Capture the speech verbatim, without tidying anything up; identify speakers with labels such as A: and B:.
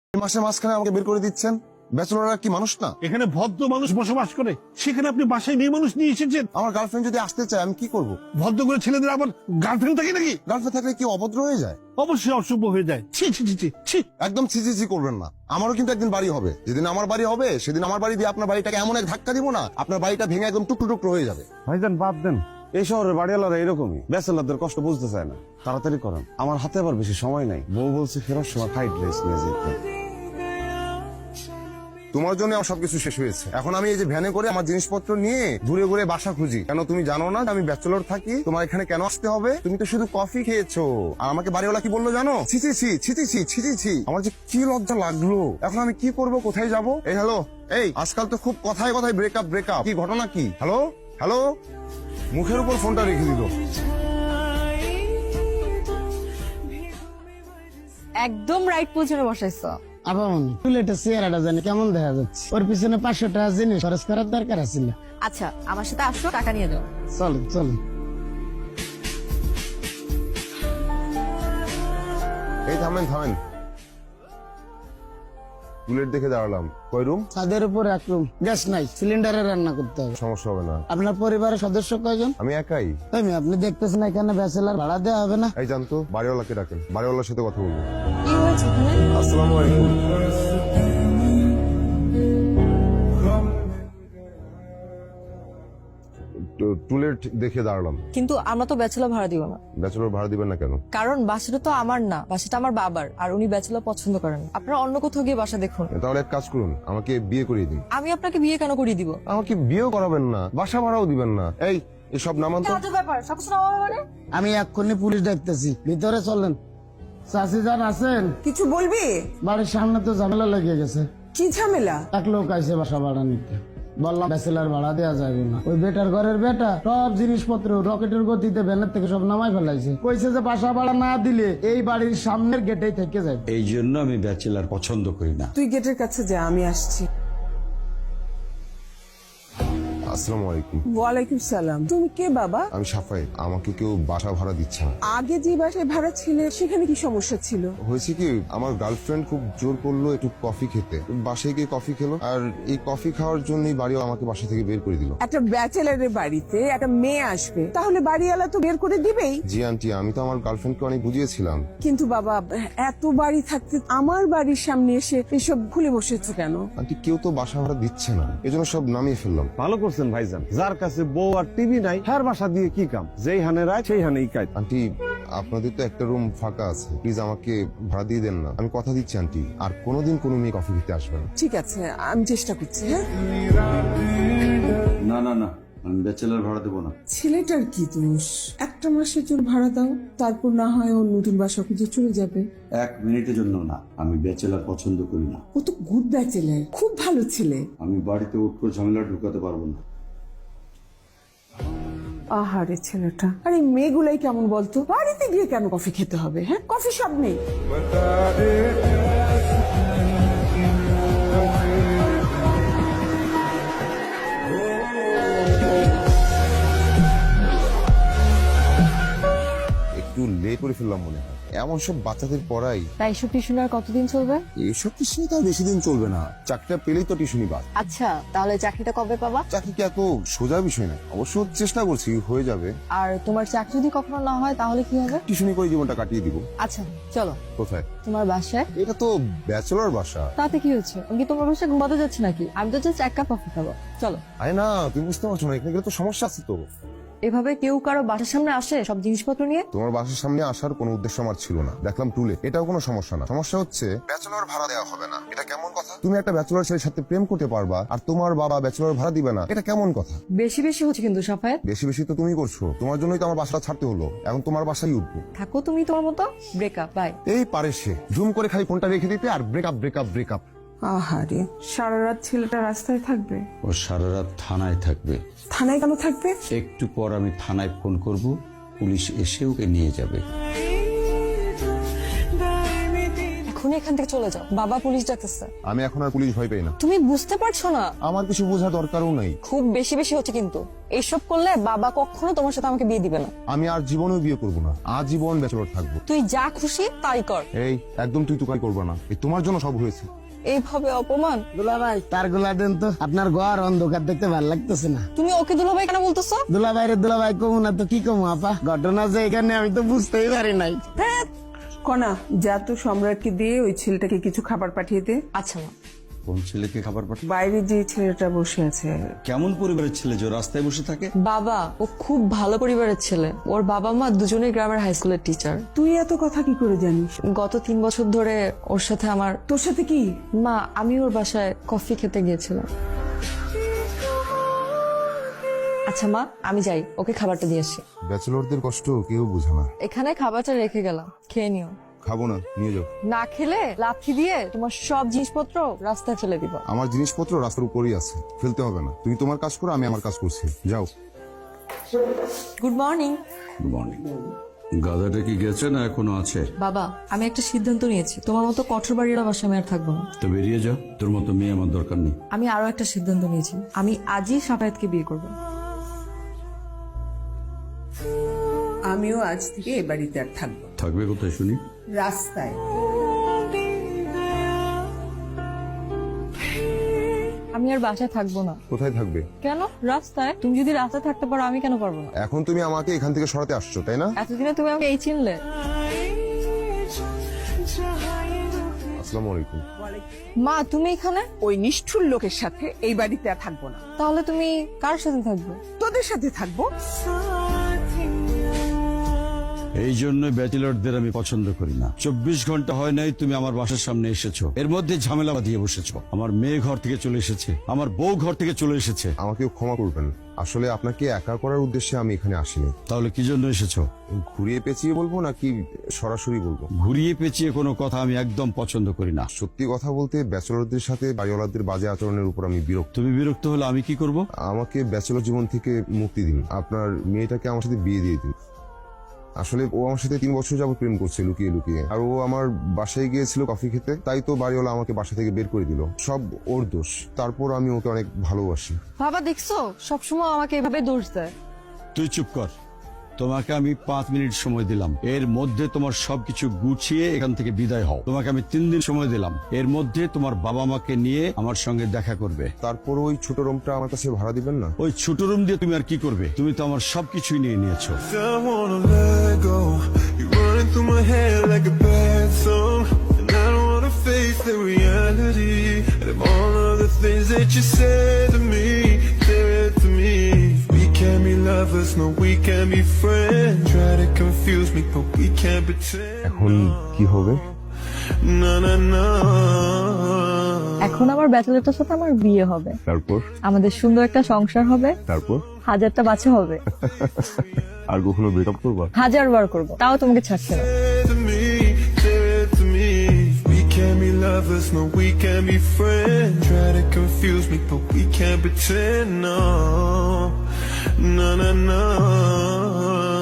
A: মাসের মাঝখানে আমাকে বের করে দিচ্ছেন। ব্যাচেলররা কি মানুষ না?
B: এখানে ভদ্র মানুষ বসবাস করে, সেখানে আপনি বাসায় মেয়ে মানুষ নিয়ে এসেছেন।
A: আমার গার্লফ্রেন্ড যদি আসতে চায় আমি কি করব?
B: ভদ্র করে ছেলেদের আবার গার্লফ্রেন্ড থাকে নাকি?
A: গার্লফ্রেন্ড থাকলে কি অভদ্র হয়ে যায়?
B: অবশ্যই অশুভ হয়ে যায়। ছি ছি ছি ছি ছি।
A: একদম ছিচি ছি করবেন না। আমারও কিন্তু একদিন বাড়ি হবে। যেদিন আমার বাড়ি হবে সেদিন আমার বাড়ি দিয়ে আপনার বাড়িটাকে এমন এক ধাক্কা দিব না, আপনার বাড়িটা ভেঙে একদম টুকরো টুকরো হয়ে যাবে।
C: ভাইজান বাদ দেন, এই শহরের বাড়িওয়ালারা এরকমই, ব্যাচেলারদের কষ্ট বুঝতে চায় না। তাড়াতাড়ি করেন, আমার হাতে আবার বেশি সময় নাই। বউ বলছে ফেরার সময় ফ্লাইট রেস নিয়ে যেতে।
A: তোমার জন্য আমার সবকিছু শেষ হয়েছে। এখন আমি এই যে ভ্যানে করে আমার জিনিসপত্র নিয়ে ঘুরে ঘুরে বাসা খুঁজি। কেন তুমি জানো না আমি ব্যাচেলর থাকি? তোমার এখানে কেন আসতে হবে? তুমি তো শুধু কফি খেয়েছো। আর আমাকে বাড়িওয়ালা কি বললো জানো? ছিচি ছি ছিচি ছি ছিচি ছি। আমার যে কি লজ্জা লাগলো। এখন আমি কি করব, কোথায় যাব? এই হ্যালো, এই আজকাল তো খুব কথায় কথায় ব্রেকআপ ব্রেকআপ। কি ঘটনা কি? হ্যালো হ্যালো, মুখের উপর ফোনটা রেখে দিল।
D: একদম রাইট পজিশনে বসাইছ।
E: আপামনি টুলেটের চেহারাটা জানি কেমন দেখা যাচ্ছে। ওর পিছনে পাঁচশো টাকা জিনিস খরচ করার দরকার আছিল।
D: আচ্ছা আমার সাথে আসো, টাকা নিয়ে যাও।
E: চলেন চলেন।
A: এই থামেন থামেন, বুলেট দেখে দাঁড়ালাম। কয় রুম?
E: ছাদের উপর এক রুম, গ্যাস নাই, সিলিন্ডারে রান্না করতে হবে।
A: সমস্যা হবে না।
E: আপনার পরিবারের সদস্য কয়জন?
A: আমি একাই।
E: তাই মেয়ে, আপনি দেখতেছেন এখানে ব্যাচেলার ভাড়া দেওয়া হবে না?
A: এই জানতো, বাড়িওয়ালাকে ডাকেন, বাড়িওয়ালার সাথে কথা বলবো।
D: কি হয়েছে এখানে?
A: আসসালামু আলাইকুম। টু- টুলেট দেখে দাঁড়ালাম।
D: কিন্তু আমরা তো ব্যাচেলর ভাড়া দিব না।
A: ব্যাচেলর ভাড়া দিবেন না কেন?
D: কারণ বাসাটা তো আমার না, বাসাটা আমার বাবার, আর উনি ব্যাচেলর পছন্দ করেন না। আপনারা অন্য কোথাও গিয়ে বাসা দেখুন।
A: তাহলে এক কাজ করুন, আমাকে বিয়ে করিয়ে দিন।
D: আমি আপনাকে বিয়ে কেন করিয়ে দিব?
A: আমাকে বিয়েও করাবেন না, বাসা ভাড়াও দিবেন না। এই এসব নামান তো।
D: ব্যাপার সবকিছু নামাবে মানে?
E: আমি এক্ষুনি পুলিশ ডাকতেছি, ভিতরে চলেন। চাষি যান আছেন?
F: কিছু বলবি?
E: বাড়ির সামনে তো ঝামেলা লেগে গেছে।
F: কি ঝামেলা?
E: এক লোক আইসে বাসা ভাড়া নিতে। বললাম ব্যাচেলার ভাড়া দেওয়া যাবে না। ওই বেটার ঘরের বেটা সব জিনিসপত্র রকেটের গতিতে ভ্যানের থেকে সব নামাই ফেলাইছে। কইছে যে বাসা ভাড়া না দিলে এই বাড়ির সামনের গেটেই থেকে যাবে।
G: এই জন্য আমি ব্যাচেলার পছন্দ করি না।
F: তুই গেটের কাছে যা, আমি আসছি।
A: আসসালামু আলাইকুম।
F: ওয়ালাইকুম সালাম। তুমি কে বাবা?
A: আমি সাফাই। আমাকে কেউ বাসা ভাড়া দিচ্ছে না।
F: আগে যে বাসায় ভাড়া ছিলে সেখানে কি সমস্যা ছিল?
A: হয়েছে কি, আমার গার্লফ্রেন্ড খুব জোর করলো একটু কফি খেতে। বাসায় গিয়ে কফি খেলো, আর এই কফি খাওয়ার জন্যই বাড়িও আমাকে বাসা থেকে বের করে দিল।
F: একটা ব্যাচেলারের বাড়িতে একটা মেয়ে আসবে, তাহলে বাড়িওয়ালা তো বের করে দিবেই।
A: জি আন্টি, আমি তো আমার গার্লফ্রেন্ডকে অনেক বুঝিয়েছিলাম।
F: কিন্তু বাবা, এত বাড়ি থাকতে আমার বাড়ির সামনে এসে এসব ভুলে বসেছো কেন?
A: আন্টি কেউ তো বাসা ভাড়া দিচ্ছে না, এজন্য সব নামিয়ে ফেললাম।
C: ভালো করছেন ভাইজান, যার কাছে বউ আর টিভি নাই হ্যার বাসা দিয়ে কি কাম? যেই হানে রায় সেই হানেই কাজ।
A: আন্টি আপনাদের তো একটা রুম ফাঁকা আছে, প্লিজ আমাকে ভাড়া দিয়ে দেন না। আমি কথা দিচ্ছি আন্টি, আর কোনোদিন কোনো মেয়ে কফি খেতে আসবে না।
F: ঠিক আছে, আমি চেষ্টা করছি। হ্যাঁ,
G: না না না, আমি ব্যাচেলার ভাড়া দেবো না।
F: ছেলেটার কি দোষ? একটা মাসের জন্য ভাড়া দাও, তারপর না হয় ও নতুন বাসা খুঁজে চলে যাবে।
G: এক মিনিটের জন্য না, আমি ব্যাচেলার পছন্দ করি না।
F: ও তো গুড ব্যাচেলার, খুব ভালো ছেলে।
G: আমি বাড়িতে উঠকো ঝামেলা ঢুকাতে পারবো না।
F: আহারে ছেলেটা। আরে মেয়েগুলাই কেমন বলতো, বাড়িতে গিয়ে কেন কফি খেতে হবে? হ্যাঁ, কফি সব নেই।
A: একটু লেট করে ফেললাম মনে হয়। এমন সব বাচ্চাদের পড়াই।
D: তাই এসব টিউশন আর কতদিন চলবে?
A: এসব টিউশনি তো আর বেশি দিন চলবে না। চাকরিটা পেলেই তো টিউশনি বাদ।
D: আচ্ছা তাহলে চাকরিটা কবে পাবা?
A: চাকরি কি এত সোজা বিষয় না? অবশ্য চেষ্টা করছি, হয়ে যাবে।
D: আর তোমার চাকরি যদি কখনো না হয় তাহলে কি হবে?
A: টিউশনি করে জীবনটা কাটিয়ে দিব।
D: আচ্ছা চলো।
A: কোথায়?
D: তোমার বাসায়।
A: এটা তো ব্যাচেলর বাসা।
D: তাতে কি হচ্ছে? আমি কি তোমার বাসায় ঘুমাতে যাচ্ছি নাকি? আমি তো জাস্ট এক কাপ কফি খাবো। চলো।
A: আরে না, তুমি বুঝতে পারছো না, এখানে গেলে তো সমস্যা আছে তো।
D: এভাবে কেউ কারো বাসার সামনে আসে সব জিনিসপত্র নিয়ে?
A: তোমার বাসার সামনে আসার কোনো উদ্দেশ্য আমার ছিল না। দেখলাম টুলে, এটাও কোনো সমস্যা না। সমস্যা হচ্ছে ব্যাচেলর ভাড়া দেওয়া হবে না। এটা কেমন কথা? তুমি একটা ব্যাচেলর ছেলের সাথে প্রেম করতে পারবা আর তোমার বাবা ব্যাচেলর ভাড়া দিবে না, এটা কেমন কথা?
D: বেশি বেশি হচ্ছে কিন্তু সাফায়েত।
A: বেশি বেশি তো তুমি করছো, তোমার জন্যই তো আমার বাসাটা ছাড়তে হলো। এখন তোমার বাসায় উঠবো।
D: থাকো তুমি তোমার মতো। Breakup, bye.
A: এই পারে সে জুম করে খালি ফোনটা রেখে দিতে আর ব্রেকআপ ব্রেকআপ ব্রেকআপ।
F: আহারে, সারা রাত ছেলেটা রাস্তায় থাকবে?
G: ও সারা রাত থানায় থাকবে।
F: থানায় কেন থাকবে?
G: একটু পর আমি থানায় ফোন করব, পুলিশ এসে ওকে নিয়ে যাবে।
D: এখন এখনই এখান থেকে চলে যাও, বাবা পুলিশ ডাকতেছে।
A: আমি এখন আর পুলিশ ভয় পাই না।
D: তুমি বুঝতে পারছো না?
A: আমার কিছু বোঝা দরকারও নাই।
D: খুব বেশি বেশি হচ্ছে কিন্তু। এইসব করলে বাবা কখনো তোমার সাথে আমাকে বিয়ে দিবে না।
A: আমি আর জীবনেও বিয়ে করবো না, আজীবন ব্যাচেলর থাকবো।
D: তুই যা খুশি তাই কর।
A: এই একদম তুই তুকারি করবা না, এই তোমার জন্য সব হয়েছে।
D: এইভাবে অপমান।
E: দুলা ভাই তার গুলা দেন তো, আপনার ঘর অন্ধকার দেখতে ভালো লাগতেছে না।
D: তুমি ওকে দুলাভাই কেন বলতেছো?
E: দুলা ভাই রে দুলা ভাই কমু না তো কি কমু আপা, ঘটনা যে এখানে আমি তো বুঝতেই পারি নাই।
F: হ্যাঁ কনা, যা তো সম্রাটকে দিয়ে ওই ছেলেটাকে কিছু খাবার পাঠিয়ে দে।
D: আচ্ছা মা।
G: কোন ছেলেকে খাবার পাঠায়?
F: বাইরে যে ছেলেটা বসে আছে।
G: কেমন পরিবারের ছেলে যে রাস্তায় বসে থাকে?
D: বাবা ও খুব ভালো পরিবারের ছেলে। ওর বাবা মা দুজনেই গ্রামের হাই স্কুলের টিচার।
F: তুই এত কথা কি করে জানিস?
D: গত তিন বছর ধরে ওর সাথে আমার।
F: তোর সাথে কি?
D: মা, আমি ওর বাসায় কফি খেতে গিয়েছিলাম। আচ্ছা মা, আমি যাই, ওকে খাবারটা দিয়ে আসি।
A: ব্যাচেলরদের কষ্ট কেউ বোঝে না।
D: এখানে খাবারটা রেখে গেলাম, খেয়ে নিও।
A: খাবো না, নিয়ে যাও।
D: না খেলে লাথি দিয়ে তোমার সব জিনিসপত্র রাস্তায় ফেলে দিব।
A: আমার জিনিসপত্র রাস্তার উপরেই আছে, ফেলতে হবে না। তুমি তোমার কাজ করো, আমি আমার কাজ করছি। যাও।
D: Good morning.
G: Good morning. গাধাটা কি গেছে না এখনো আছে?
D: বাবা, আমি একটা সিদ্ধান্ত নিয়েছি, তোমার মতো কঠোর বাড়ির বাসায় আমি আর থাকবো না।
G: তো বেরিয়ে যা, তোর মতো মেয়ে আমার দরকার নেই।
D: আমি আরো একটা সিদ্ধান্ত নিয়েছি, আমি আজই সাফায়েতকে বিয়ে করবো।
F: আমিও আজ থেকে এ বাড়িতে আর থাকবো।
G: থাকবে কোথায় শুনি?
F: রাস্তায়।
D: আমি আর বাসায় থাকবো না।
A: কোথায় থাকবে?
D: কেন? রাস্তায়। তুমি যদি রাস্তায় থাকতে পারো, আমি কেন পারবো না?
A: এখন তুমি আমাকে এখান থেকে সরাতে আসছো, তাই না?
D: এতদিনে তুমি আমাকে এই চিনলে?
A: আসসালামু আলাইকুম।
D: মা, তুমি এখানে?
F: ওই নিষ্ঠুর লোকের সাথে এই বাড়িতে আর থাকবো না।
D: তাহলে তুমি কার সাথে থাকবে?
F: তোদের সাথে থাকবো।
G: এই জন্য ব্যাচেলরদের আমি পছন্দ করি না। চব্বিশ ঘন্টা হয় নাই তুমি আমার বাসার সামনে এসেছো, এর মধ্যে ঝামেলা বাঁধিয়ে বসেছো। আমার মেয়ে ঘর থেকে চলে এসেছে, আমার বউ ঘর থেকে চলে এসেছে।
A: আমাকেও ক্ষমা করবেন, আসলে আপনাকে একা করার উদ্দেশ্যে আমি এখানে আসিনি।
G: তাহলে কি জন্য এসেছো?
A: ঘুরিয়ে পেঁচিয়ে বলবো নাকি সরাসরি বলবো?
G: ঘুরিয়ে পেঁচিয়ে কোনো কথা আমি একদম পছন্দ করি না।
A: সত্যি কথা বলতে ব্যাচেলরদের সাথে বাড়িওয়ালাদের বাজে আচরণের উপর আমি বিরক্ত।
G: তুমি বিরক্ত হলে আমি কি করব?
A: আমাকে ব্যাচেলর জীবন থেকে মুক্তি দিন, আপনার মেয়েটাকে আমার সাথে বিয়ে দিয়ে দিন। আসলে ও আমার সাথে তিন বছর যাবত প্রেম করছে লুকিয়ে লুকিয়ে, আর ও আমার বাসায় গিয়েছিল কফি খেতে, তাই তো বাড়িওয়ালা আমাকে বাসা থেকে বের করে দিল। সব ওর দোষ। তারপর আমি ওকে অনেক ভালোবাসি।
D: বাবা, দেখছো সবসময় আমাকে এভাবে দোষ দেয়।
G: তুই চুপ কর। তোমাকে আমি পাঁচ মিনিট সময় দিলাম, এর মধ্যে তোমার সবকিছু গুছিয়ে এখান থেকে বিদায় হও। তোমাকে আমি তিন দিন সময় দিলাম, এর মধ্যে তোমার বাবা মাকে নিয়ে আমার সঙ্গে দেখা করবে।
A: তারপর ওই ছোট রুমটা আমার কাছে ভাড়া দিবেন না?
G: ওই ছোট রুম দিয়ে তুমি আর কি করবে? তুমি তো আমার সবকিছুই নিয়ে নিয়েছো।
H: I wanna let go. You're running through my head like a bad song, and I don't wanna face the reality of all of the things that you said to me, said to me. We can't be lovers, no, we can't be friends. Try to confuse me, but we can't pretend.
A: এখন কি হবে?
H: No, no, no.
D: এখন আমার ব্যাচেলরটার সাথে আমার বিয়ে হবে,
A: তারপর?
D: আমাদের সুন্দর একটা সংসার হবে,
A: তারপর?
D: হাজারটা বাচ্চা হবে।
A: আর কখনো ব্রেকআপ করবা?
D: হাজার বার করবো, তাও তোমাকে ছাড়ছে না।
H: Said to me, said to me. We can't be lovers, no, we can't be friends. Try to confuse me, but we can't pretend. No, no, no, no.